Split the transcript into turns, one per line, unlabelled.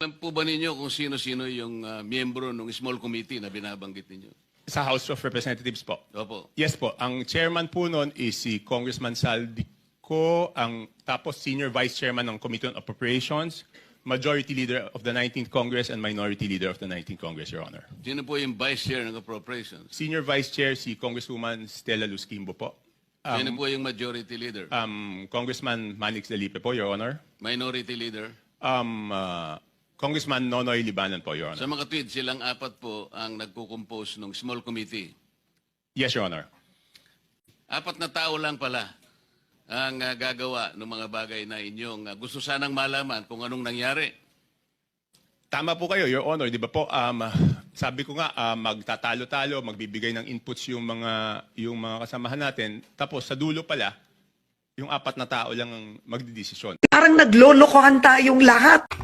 Alam po ba ninyo kung sino-sino yung miyembro ng small committee na binabanggit ninyo?
Sa House of Representatives po.
Opo.
Yes po. Ang chairman po noon is si Congressman Saldico, tapos senior vice chairman ng Committee on Appropriations, majority leader of the 19th Congress, and minority leader of the 19th Congress, Your Honor.
Sino po yung vice chair ng appropriations?
Senior vice chair si Congresswoman Stella Luz Quimbo po.
Sino po yung majority leader?
Congressman Manix Dalipe po, Your Honor.
Minority leader?
Congressman Nonoy Libanan po, Your
Sa
Honor.
mga tweet, silang apat po ang nagko-compose ng small committee.
Yes, Your Honor.
Apat na tao lang pala ang gagawa ng mga bagay na inyong gusto sanang malaman kung anong nangyari.
Tama po kayo, Your Honor. Di ba po, sabi ko nga, magtatalo-talo, magbibigay ng inputs yung mga kasamahan natin. Tapos sa dulo pala, yung apat na tao lang ang magdidesisyon.
Parang naglolokohan tayong lahat.